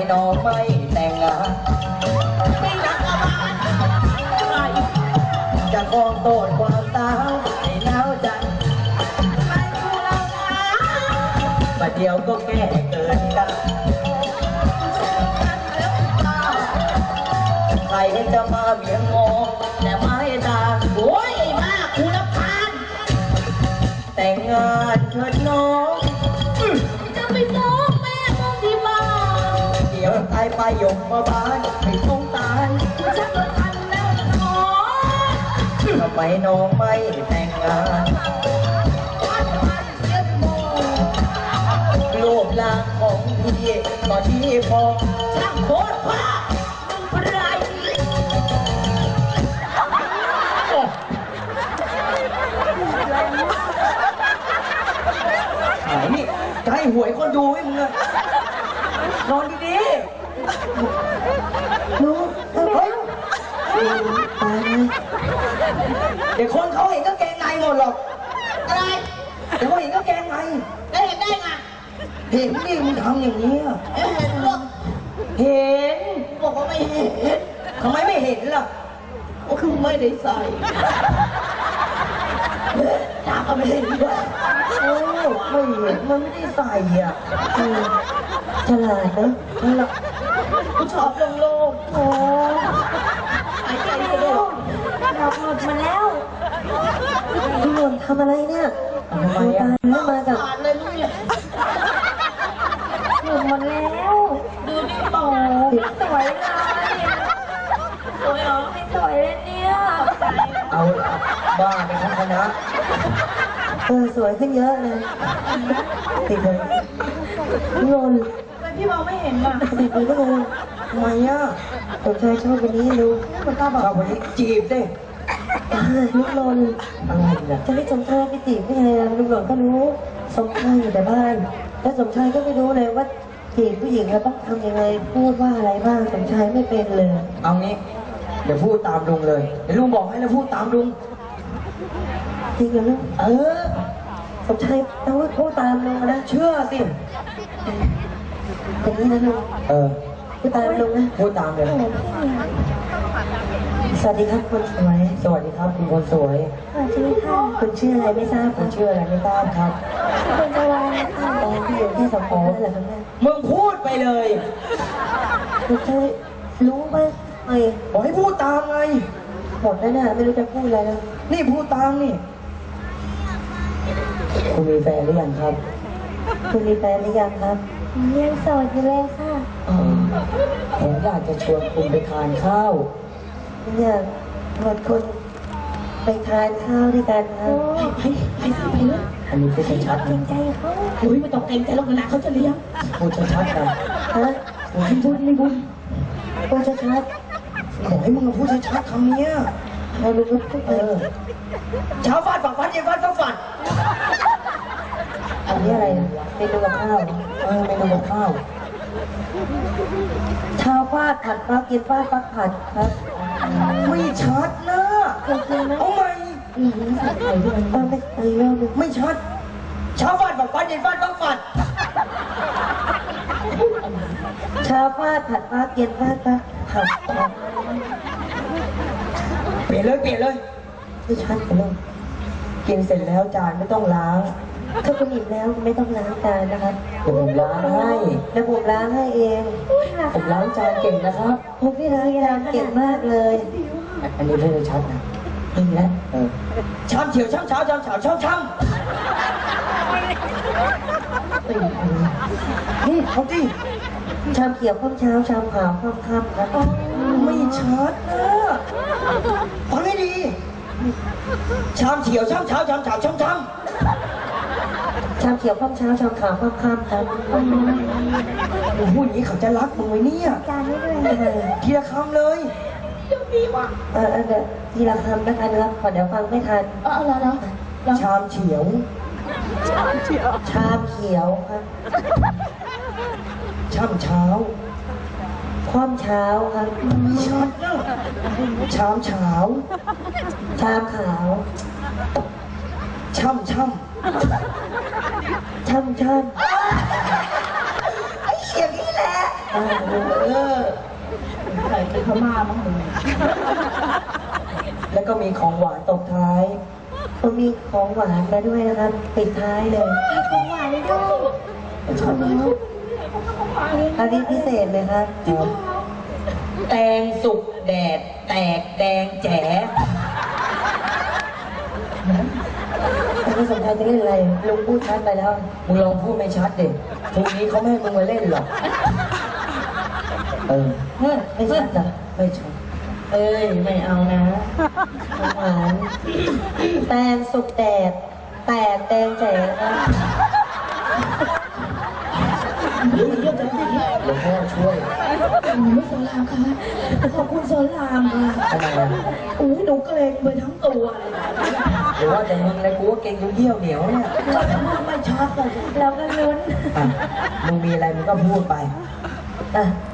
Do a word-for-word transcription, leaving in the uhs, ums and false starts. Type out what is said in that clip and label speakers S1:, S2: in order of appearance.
S1: น้องไม่แต่งงาน
S2: ไม่รักกบาลใคร
S1: จะคองโตดความสาวให้หนาวใจ
S2: ไม่ดูเรานะ
S1: ประเดี๋ยวก็แก่เกินกันใครจะมาเบี่ยงมองแต่ไม่ตา
S2: โอ้ยไอ้บ้ากูรำคาญ
S1: แต่งงานเถิดน้อง
S2: จะไปฟ้องแม่มึงที่บ้าน
S1: เดี๋ยวตายไปยกมาบ้านไม่ต้องตาย
S2: ฉันก็ทันแล้วน้อง
S1: ทำไมน้องไม่แต่งงานรูปร่างของพี่ก็ดีพอ
S2: ช่างโคตรพ่อมึงไร
S1: หายนี่จะให้หวยคนดูให้มึงอะนอนดีๆรู้เฮ้ยตายเลยเดี๋ยวคนเขาเห็นก็แกงในหมดหรอก
S2: อะไร
S1: เดี๋ยวเขาเห็นก็แกงใน
S2: ได้เห็นได้ไง
S1: เห็นดิมึงทำอย่างนี้อะ
S2: เห็นหรอก
S1: เห็น
S2: บอกว่าไม่เห็น
S1: ทำไมไม่เห็นล่ะ
S2: ก็คือไม่ได้ใส่ตาก็ไม่เห็นด้วย
S1: โอ้ไม่เห็นมันไม่ได้ใส่อ่ะฉลาดนะฉลาด
S2: กูชอบลงโลกโอ้หายใจกระโดด
S3: ดอกหลุดมาแล้วพี่หนุ่มทำอะไรเนี่ย
S1: ทำไมอ่ะ
S3: แล้วมากับ
S2: เลยมึงเนี่ย
S3: หลุดหมดแล้ว
S2: ดูดิโอ้
S3: สวยเลย
S2: สวยเหรอ
S3: ไม่สวยเลยเนี่ย
S1: เอาบ้าไปทั้งคณะ
S3: เออสวยขึ้นเยอะเลยติดเลยพี่นนท์
S2: พี่มองไม่เห็นอ่ะ
S3: ติดเลยก็เลย
S1: ทำไมอ่ะ
S3: สมชายชอบวันนี้ดู
S1: มันกล้าบอกวันนี้จีบดิ
S3: ลูกนนท์
S1: อะไรเนี่ย
S3: จะให้สมชายไปจีบไม่ไงลูกนนท์ก็รู้สมชายอยู่แต่บ้านแล้วสมชายก็ไม่รู้เลยว่าจีบผู้หญิงเราต้องทำยังไงพูดว่าอะไรบ้างสมชายไม่เป็นเลย
S1: เอางี้เดี๋ยวพูดตามลุงเลยเดี๋ยวลุงบอกให้แล้วพูดตามลุง
S3: จริงเหรอลูก
S1: เออ
S3: สมชายต้องพูดตามลุงนะ
S1: เชื่อสิ
S3: อย่างนี้นะลุง
S1: เออ
S3: พูดตามลุงนะ
S1: พูดตามเลย
S3: สวัสดีครับคนสวย
S1: สวัสดีครับคุณคนสวย
S3: สวัสดีค่ะคุณชื่ออะไรไม่ทราบ
S1: คุณชื่ออะไรไม่ทราบครับ
S3: คุณจะวางค่ะตอนที่อยู่ที่สมองนั่นแหละครับแม่
S1: มึงพูดไปเลย
S3: คุณจะรู้ไหมไง
S1: บอกให้พูดตามไง
S3: หมดแล้วนะไม่รู้จะพูดอะไรแล้ว
S1: นี่พูดตามนี่คุณมีแฟนหรือยังครับ
S3: คุณมีแฟนหรือยังครับยังโสดอยู่เลยค่ะ
S1: อ๋อผมอยากจะชวนคุณไปทานข้าว
S3: อยากชวนคุณไปทานข้าวด้วยกันครับ
S2: ไปไปไปเลย
S1: อันนี้พูดชัดๆ
S3: เกรงใจเขา
S2: อุ้ยไม่ต้องเกรงใจหรอกนะเขาจะเลี้ยง
S1: พูดชัดๆนะ
S3: ฮะ
S1: ไม่พูดไม่พูด
S3: พูดชัด
S1: ๆขอให้มึงพูดชัดๆคำนี้
S3: เรารู้ว่าเออ
S1: เช้าฟาดฝักฟัดเย็นฟาดฝักฟัด
S3: อันนี้อะไรเมนูกับข้าว
S1: เออเมนูกับข้าว
S3: เช้าฟาดผัดฟักเย็นฟาดฟักผัดครับ
S1: ไม่ชัดนะเอาไหม
S3: ต้องไปเรียน
S1: ไม่ชัดเช้าฟาดฝักฟัดเย็นฟาดฟักฟัด
S3: เช้าฟาดผัดฟักเย็นฟาดฟักผัด
S1: เปลี่ยนเลยเปลี่ยนเลย
S3: ไม่ชัดเลย
S1: กินเสร็จแล้วจานไม่ต้องล้าง
S3: ถ้าคุณอิ่มแล้วไม่ต้องล้างจานนะครับ
S1: ผมล้างให้
S3: แล้วผมล้างให้เอง
S1: ผมล้างจานเก่งนะครับ
S3: ผมพี่ล้างจานเก่งมากเลย
S1: อันนี้ไม่ได้ชัดนะ
S3: นี่แหละ
S1: ช้ำเฉียวช้ำเช้าช้ำเฉาช้ำช้ำนี่เขาดิ
S3: ชามเขียวข้ามเช้าชามขาวข้ามค่ำครับ
S1: ไม่ชัดนะฟังให้ดีชามเฉียวช้ำเช้าช้ำเฉาช้ำช้ำ
S3: ชามเขียวข้ามเช้าชามขาวข้ามค่ำครับ
S1: มึงพูดอย่างนี้เขาจะรักมึงไหมเนี่ย
S3: จานไม่ด้วย
S1: ทีละคำเลย
S3: เออเดี๋ยวทีละคำแล้วกันครับขอเดี๋ยวฟังไม่ทัน
S2: เออแล้วแล้ว
S1: ชามเฉียว
S3: ชามเขียวชามเขียวครับ
S1: ช่ำเช้า
S3: ความเช้าครับ
S1: ชัดนะชามเช้า
S3: ชามขาว
S1: ช่ำช่ำ
S3: ช่ำช่ำ
S1: ไอ้เสียงนี้แหละ
S3: อ่าลุง
S1: เออ
S2: ใส่เป็นพม่ามั้งมึง
S1: แล้วก็มีของหวานตบท้าย
S3: ก็มีของหวานมาด้วยนะครับปิดท้ายเลย
S2: ของหวานเลยด้วย
S1: ชอบไหม
S3: อันนี้พิเศษเลยครับ
S1: จริงแตงสุกแดด แตกแดงแจ๋
S3: อันนี้สมชายจะเล่นอะไรลุงพูดชัดไปแล้ว
S1: มึงลองพูดไม่ชัดเด็กพรุ่งนี้เขาไม่ให้มึงมาเล่นหรอก เออ
S3: เฮ้ยไม่ชัดเหรอ
S1: ไม่ชัด
S3: เอ้ยไม่เอานะของหวานแตงสุกแดดแตกแดงแจ๋นะ
S1: หลวงพ่อช่วย
S2: หนูสอนรามค่ะขอบคุณสอนรามค่ะ
S1: ทำไมอ่ะ
S2: อุ้ยหนูเกรงไปทั้งตัวเลย
S1: หรือว่าแต่มึงเลยกูว่าเก่งจนเยี่ยวเหนียวเนี่ย
S2: ก็จะพูดไม่ชัดเลย
S3: เราก็ลุ้น
S1: อ่ะมึงมีอะไรมึงก็พูดไป
S3: อ่ะ